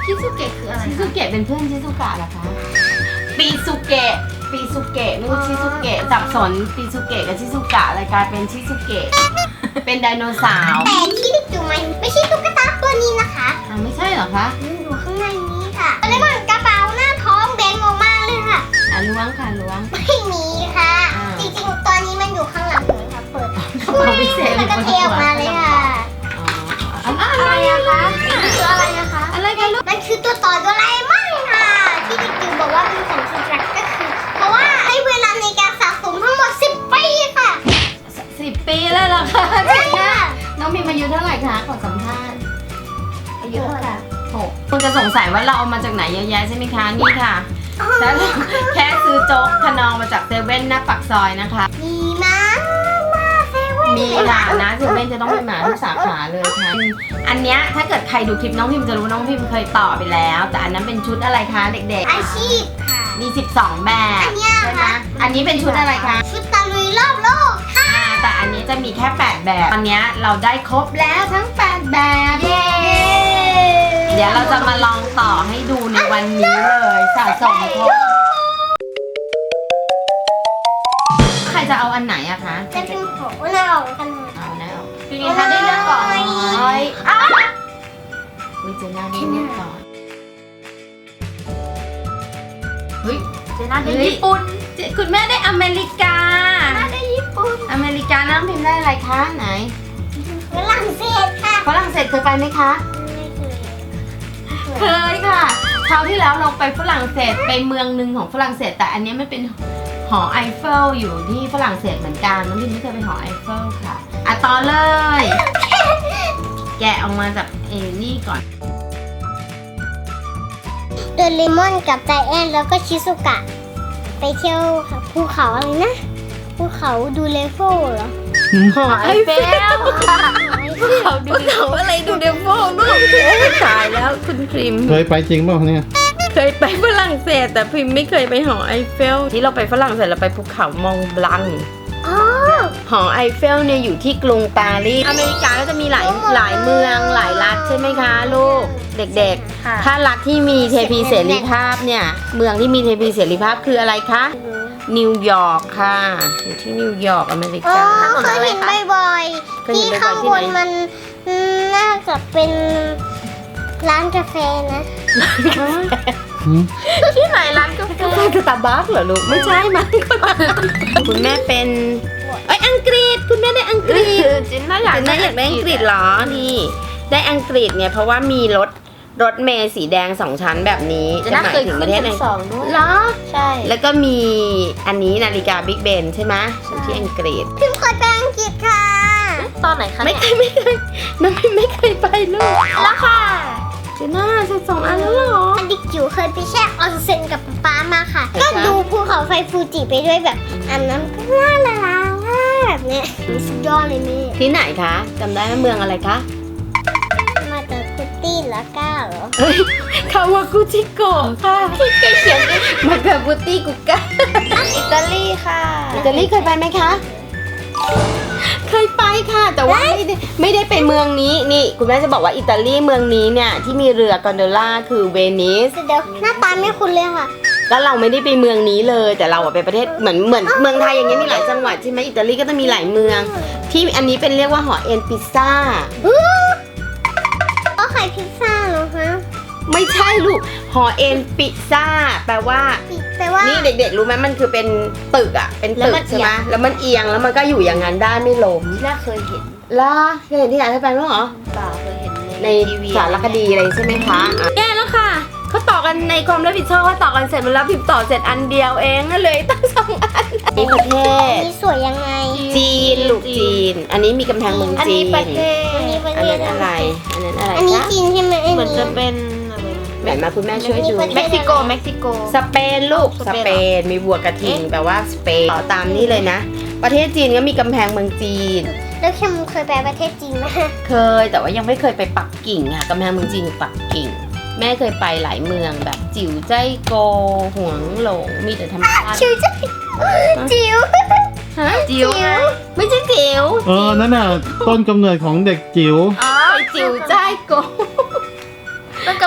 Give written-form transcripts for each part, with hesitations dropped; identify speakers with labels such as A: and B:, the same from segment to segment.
A: ชิซุเกะคืออะไร
B: ชิซุเกะเป็นเพื่อนชิซุกะเหรอคะปีซุเกะไม่ใช่ชิซุเกะสับสนปีซุเกะกับชิซุกะเลยกลายเป็นชิซุเกะเป็นไดโนเสาร์
C: แต่ที่ดิจูมันไม่ใช่ตุ๊กตาตัวนี้นะคะ
B: ไม่ใช่เหรอคะ
C: มันอยู่ข้างในนี้ค่ะแล้วมันกระเป๋าหน้าท้องแบงออกมาเลยค่ะ
B: ล้วงค่ะล้วง
C: ไม่มีค่ะ
B: อ่า
C: จริงๆตอนนี้มันอยู่ข้างหลังหนูค่ะเปิด
B: กระเป๋าพิเศษ
C: แล้วก็เทออกมาเลยค่ะ
B: อะไรอะคะ
C: คืออะไรนะคะ
B: อะไรกันลูก
C: มันคือตัวต่อโดราเอมอนค่ะ ที่ดิจูบอกว่าเป็นของชิซักก็คือ เพราะว่าให้เวลาในการสะสมทั้งหมด10 ปีค่ะ
B: 10 ปีแล้วเหรอคะเจ๋งนะน้องมีอายุเท่าไหร่คะขอสัมภาษณ์อายุเท่าไหร่6คุณจะสงสัยว่าเราเอามาจากไหนเยอะแยะใช่ไหมคะนี่ค่ะแค่ซื้อโจ๊กขนองมาจากเซเว่นหน้าปากซอยนะคะ
C: มีมาเซเว่น
B: มีค่ะนะเซเว่นจะต้องเป็นหมาทุกสาขาเลยค่ะอันเนี้ยถ้าเกิดใครดูคลิปน้องพิมจะรู้น้องพิมเคยต่อไปแล้ว แต่อันนั้นเป็นชุดอะไรคะเด็กๆ
C: อาชีพค่ะ
B: มี12 แบบ
C: อันเนี้ย
B: ใช่ไหม
C: ค่ะ
B: อันนี้เป็นชุดอะไรคะ
C: ชุดตะลุยรอบโลกค่ะ
B: แต่อันนี้จะมีแค่8แบบตอนเนี้ยเราได้ครบแล้วทั้ง8แบบ
C: เย้
B: เดี๋ยวเราจะมาลองต่อให้ดูในวันนี้เลยสะสมครบใครจะเอาอันไหนอะคะ
C: จะเป็นของน่าออกกัน
B: เอาแนวเป็นไงคะได้เลือกก่อนเฮ้ยอ้าววิเจน่าได้เลือกก่อนเฮ้ย
A: เจน่าได้ญี่ปุ่น
B: คุณแม่ได้อเมริกา
C: ได้ญี่ปุ่น
B: อเมริกาน้ำพิมพ์ได้อะไรคะไหน
C: ฝรั่งเศสค่ะ
B: ฝรั่งเศสเคยไปไหมคะ
C: ไม่เคย
B: เคยค่ะคราวที่แล้วเราไปฝรั่งเศสไปเมืองหนึ่งของฝรั่งเศสแต่อันนี้มันเป็นหอไอเฟลอยู่ที่ฝรั่งเศสเหมือนกันน้องพิมไม่เคยไปหอไอเฟลค่ะอ่ะต่อเลย แกะออกมาจากนี่ก่อน
C: โดเรมอนกับไจแอนแล้วก็ชิซุกะ ไปเที่ยวภูเขาอะไรนะ ภูเขาดูเลโฟเหรอ
B: หอไอเฟลเขาดูเขาอะไรดูเดฟโฟด้วยตายแล้วคุณพริม
D: เคยไปจริงเปล่าเนี่ย
B: เคยไปฝรั่งเศสแต่พิมไม่เคยไปหอไอเฟลที่เราไปฝรั่งเศสเราไปภูเขามองบลัง
C: อ๋อ
B: หอไอเฟลเนี่ยอยู่ที่กรุงปารีสอเมริกาก็จะมีหลายเมืองหลายรัฐใช่ไหมคะลูกเด็ก
A: ค่ะ
B: ๆ ถ้ารัฐที่มีเทพีเสรีภาพเนี่ยเมืองที่มีเทพีเสรีภาพคืออะไรคะนิวยอร์กค่ะอยู่ที่นิวยอร์กอเมริ
C: อ๋อก
B: า
C: เคยเห็นบ่อย
B: เค
C: ๆ
B: ยเห็
C: ที่
B: นบ่อยๆ
C: ข้างบน
B: ที่ไหน
C: มันน่าจะเป็นร้านกาแฟนะ
B: ที่ไหนร้านกาแฟสตาร์บัคเหรอลูกไม่ใช่มั้งคุณแม่เป็นอังกฤษคุณแม่ได้อังกฤษ
A: จินน่าอยาก
B: เจนน่าอยากได้อังกฤษเหรอนี่ได้อังกฤษเนี่ยเพราะว่ามีรถเมล์สีแดง2 ชั้นแบบนี้
A: เจนน่า
B: หมาย
A: เคย
B: ถึง
A: ขึ้น
B: ประเทศไหน
A: ชั้น2ด้วย
B: เหรอ
A: ใช่
B: แล้วก็มีอันนี้นาฬิกาบิ๊กเบนใช่ไหมอยู่ที่อังกฤษ
C: พิมเคยไปอังกฤษค่ะ
A: ตอนไหนคะ
B: ไม่
A: เนี่ย
B: เคยน้องพิมไม่เคยไปลูก
A: แล้วค่ะ
B: เจน่าจะ2 อันแล้วเหรอ
C: อันดิจิ๋วเคยไปแช่ออนเซ็นกับป๊ามาค่ะ
B: ไหน
C: ก็
B: คะ
C: ดูภูเขาไฟฟูจิไปด้วยแบบอันนั้นก็น่าละลาแบบเนี้ยสุดยอดเลยแม่
B: ที่ไหนคะจำได้ไหมเมืองอะไรคะ
C: มาจากคุตตี้ละก้าเหรอ
B: เฮ้ยคาวากุจิโกะค่ะใกล้เคียงกันมากับบุตี้กุก้า
A: อิตาลีค่ะ
B: อิตาลีเคยไปไหมคะ เคยไปค่ะ แต่ว่าไม่ได้ไปเมืองนี้นี่คุณแม่จะบอกว่าอิตาลีเมืองนี้เนี่ยที่มีเรือกอนโดล่าคือเวนิส
C: เดี๋ยวหน้าตาไม่คุ้นเลยค่ะ
B: แล้วเราไม่ได้ไปเมืองนี้เลย แต่เราอะไปประเทศเหมือนเมืองไทยอย่างเงี้ยมีหลายจังหวัดใช่ไหมอิตาลีก็จะมีหลายเมือง ที่อันนี้เป็นเรียกว่าหอเอ็นพิซซ่า
C: ก็ขายพิซซ่าเหรอคะ
B: ไม่ใช่ลูกหอเอ็นพิซซ่าแปลว่า
C: แปลว่า
B: นี่เด็กๆรู้ไหมมันคือเป็นตึกอะเป็นตึกใช่ไหมแล้วมันเอียงแล้วมันก็อยู่อย่างนั้นได้ไม่ล้ม
A: น่าเคยเห็น
B: ล่ะเคยเห็นที่ไหนเคยไปมั้งเหรอ
A: เปล่าเคยเห็น
B: ใน
A: ทีวี
B: สารคดีอะไรใช่ไหมคะแย่แล้วค่ะเขาต่อกันในความรับผิดชอบเขาต่อกันเสร็จหมดแล้วพิมพ์ต่อเสร็จอันเดียวเองก็เลยตั้ง2 อันนี่ประเทศ
C: นี่สวยยังไง
B: จีนลูกจีน อันนี้มีกำแพงเมือง
A: อัน
B: จี
A: นี้
B: น
A: ประเทศ
C: อันนี้ประ
B: อัน
C: เทศ
B: นั้นอะไรอันนั้นอะไร
C: อันนี้
B: คะ
C: จีนใช่ไหมอัน
A: เหมือน
C: นี้
A: จะเป็นอะไร
B: แหมมาคุณแม่ช่วยดู
C: อันนี้
A: เม็กซิโกเม็กซิโก
B: สเปนลูกส
A: ส
B: เป
A: เปน
B: นมีบัวกระทิงแปลว่าสเปนต่อตามนี่เลยนะ ประเทศจีนก็มีกำแพงเมืองจีน
C: แล้วเคมเคยไปประเทศจีนไหม
B: เคยแต่ว่ายังไม่เคยไปปักกิ่งค่ะกำแพงเมืองจีนอยู่ปักกิ่ง แม่เคยไปหลายเมืองแบบจิ๋วใจโกหวงหลงมีแต่ธรรมชาติ
C: จิ๋วจ้ะจิ๋ว
B: ฮะ
A: จิ๋ว
B: ไม่ใช่จิ๋ว
D: นั่นน่ะต้นกำเนิดของเด็กจิ๋ว
A: อ๋อ
B: ไปจิ๋วใจโก
A: ต้นกำ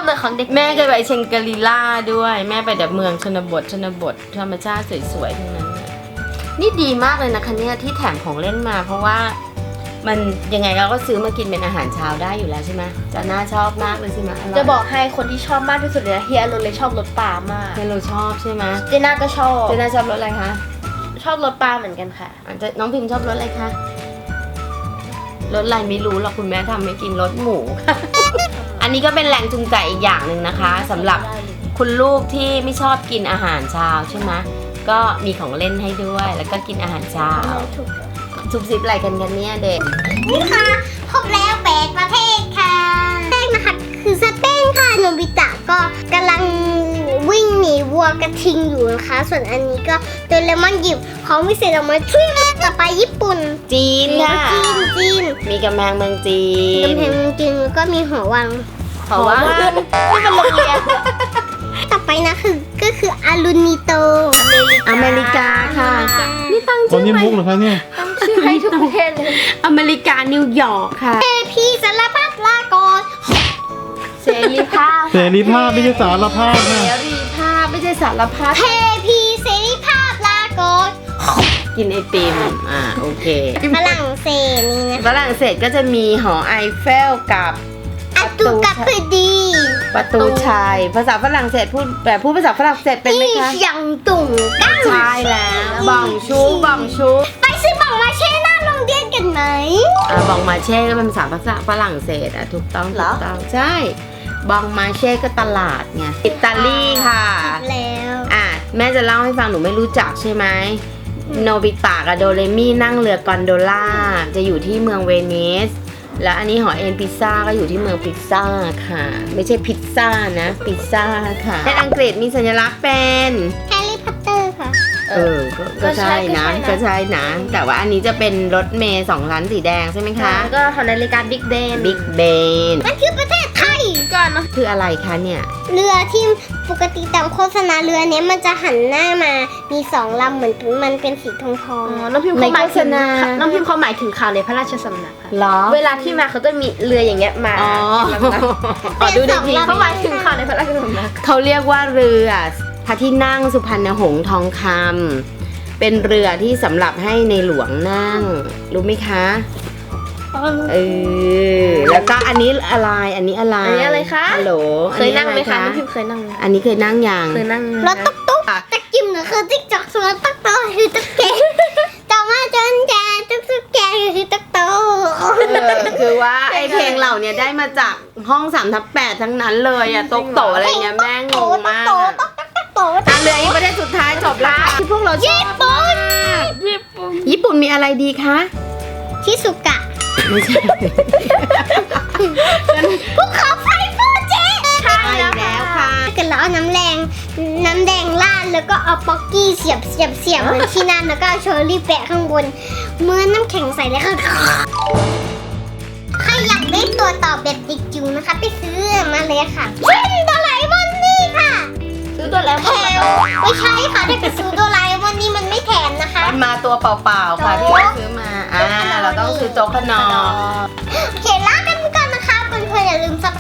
A: เลยของเด็ก
B: แม่เคยไปเชงกรีล่าด้วยแม่ไปแบบเมืองชนบทธรรมชาติสวยๆทั้งนั้นน่ะนี่ดีมากเลยนะคะเนี่ยที่แถมของเล่นมา เพราะว่ามันยังไงเราก็ซื้อมากินเป็นอาหารเช้าได้อยู่แล้วใช่ไหมจะน่าชอบมากเลยใช่ไหมร่ย
A: จะบอกให้คนที่ชอบมากที่สุดเลยนะเฮียอรุณเลยชอบรสปลามาก
B: เฮโลชอบใช่ไหม
A: เจน่าก็ชอบ
B: เจน่าชอบรสอะไรคะ
A: ชอบรสปลาเหมือนกันค่ะ
B: อาจจะน้องพิมพ์ชอบรสอะไรคะรสอะไรไม่รู้หรอกคุณแม่ทำให้กินรสหมูค่ะ อันนี้ก็เป็นแรงจูงใจอีกอย่างหนึ่งนะคะสำหรับคุณลูกที่ไม่ชอบกินอาหารเช้าใช่ไหมก็มีของเล่นให้ด้วย แล้วก็กินอาหารเช้าซุบซิบอะไรกันเนี่ยเด็ก
C: นี่ค่ะครบแล้ว8ประเทศค่ะแรกนะคะคือสเปนค่ะโนบิตะก็กำลังวิ่งหนีวัวกระทิงอยู่นะคะ ส่วนอันนี้ก็โดเรมอนหยิบของวิเศษออกมาช่วยต่อไปญี่ปุ่น
B: จีนค่ะ
C: จีน
B: มีกำแพงเมืองจีน
C: กำแพงจีนแล้วก็มีหอวัง
B: เพราะว่า
A: นี่เป็นโรงเรียน
C: ต่อไปนะก็คืออารุนิโต
B: อเมริกาค่ะนี่ตั้ง
D: ตอน
B: ชื่อ
D: นี้
B: ไหม
D: มุกเหรอคะเนี่ย
A: ชื่อให้ทุกประเทศเลย
B: อเมริกานิวยอร์กค่ะ
C: เอพีสารพัดลากร
A: เสรีภาพ
D: เสรีภาพไม่ใช่สารภาพ
B: เส
D: นะ
B: รีภาพไม่ใช่สารพัด
C: เทพีเสรีภาพลากร
B: กินไอติมโอเค
C: ฝรั่งเศสนี่นะ
B: ฝรั่งเศสก็จะมีหอไอเฟลกับ
C: อัตุกับพดี
B: ประตูชัยภาษาฝรั่งเศสพูดภาษาฝรั่งเศสเป็นไหม
C: อี
B: คะ
C: หยังตุ่งกั้ง
B: ใช่แล้วบองชูบองชู
C: ไปซื้อบังมาเช่หน้าโรงเรียนกันไหม
B: บองมาเช่ก็เป็นภาษาฝรั่งเศสถูกต้องถูกต้องใช่บองมาเช่ก็ตลาดไงอิตาลีค่ะ
C: แล้ว
B: แม่จะเล่าให้ฟังหนูไม่รู้จักใช่ไหมโนบิตะกับโดเรมี่นั่งเรือกอนโดล่าจะอยู่ที่เมืองเวนิสแล้วอันนี้หอเอ็นพิซซ่าก็อยู่ที่เมืองพิซซ่าค่ะ ไม่ใช่พิซซ่านะพิซซ่าค่ะในอังกฤษมีสัญลักษณ์เป็น
C: แฮร์รี่พอตเตอร์ค่ะ
B: ก็ใช่นะก็ใช่นะ แต่ว่าอันนี้จะเป็นรถเมย์2ชั้นสีแดงใช่ไหมคะ
A: ก็ของนาฬิกาบิ๊กเบน
B: บิ๊กเบน
C: มันคือประเทศไทย
A: ก่อนเนาะ
B: คืออะไรคะเนี่ย
C: เรือที่ปกติตามโฆษณาเรือเนี้ยมันจะหันหน้ามามี2 ลำเหมือนมันเป็นสีทองทอง
A: น้องพิมพ์เขาหมายถึง
B: ในโฆษณา
A: น้องพิมพ์เขาหมายถึงข่าวในพระราชสำนักค่ะ
B: เหรอ
A: เวลาที่มาเขาจะมีเรืออย่างเงี้ยมา
B: อ๋อ
A: ลำนะ
B: ขอดูดีที
A: เขาหมายถึงข่าวในพระราชสำนัก
B: เขาเรียกว่าเรือพระที่นั่งสุพรรณหงส์ทองคำเป็นเรือที่สำหรับให้ในหลวงนั่ง รู้ไหมคะแล้วก็อันนี้อะไรอันนี้อะไร
A: อันนี้อะไรคะ
B: ฮัลโหล
A: เคยนั่งไหมคะ
B: อั
A: น้อง
B: น
A: พิ
B: นี้
A: มพ์เคยนั่งไหม
B: อันนี้เคยนั่งยัง
A: เคยนั่ง
C: รถตุ๊กตุ๊กตะกิมหรือคือติ๊กจอกส่วนตุ๊กตุ๊กคือตุ๊กแกต่อมาจนแกตุ๊กแกคือตุ๊กตุ๊ก
B: คือว่าไอเพลงเหล่านี้ได้มาจากห้อง3/8ทั้งนั้นเลยอะโต๊ะโตอะไรเงี้ยแม่งงมาก
C: โต
B: อะ
C: ตุ๊กตุ๊กตุ๊ก
B: อ่ะเหลืออีกประเทศสุดท้ายจบละที่พวกเราชอบมาก ญี่ปุ่นมีอะไรดีคะ
C: ชิสุกะ
B: ไม่ใช่
C: ภูเขาไฟฟูจิ
B: ใช่แล้วค่ะ
C: ถ้าเกิดเราเอาน้ำแดงราดแล้วก็เอาป๊อกกี้เสียบเหมือนที่นั่นแล้วก็เอาเชอร์รี่แปะข้างบนเมื่อน้ำแข็งใส่แล้วค่ะใครอยากได้ตัวต่อแบบดิจิ๋วนะคะ ไปซื้อมาเลยค่ะชิ้นโดราเอมอนนี่ค่ะ
A: ซื้อตัวแล้ว
C: แถมไม่ใช่ค่ะถ้าเกิดซื้อโดราเอมอนนี่มันไม่แถมนะคะ
B: มันมาตัวเปล่าๆค่ะที่เราซื้อมาเราต้องซื้อโจ๊กขนม
C: โอเคลากันไปก่อนนะคะเพื่อนๆอย่าลืมซับ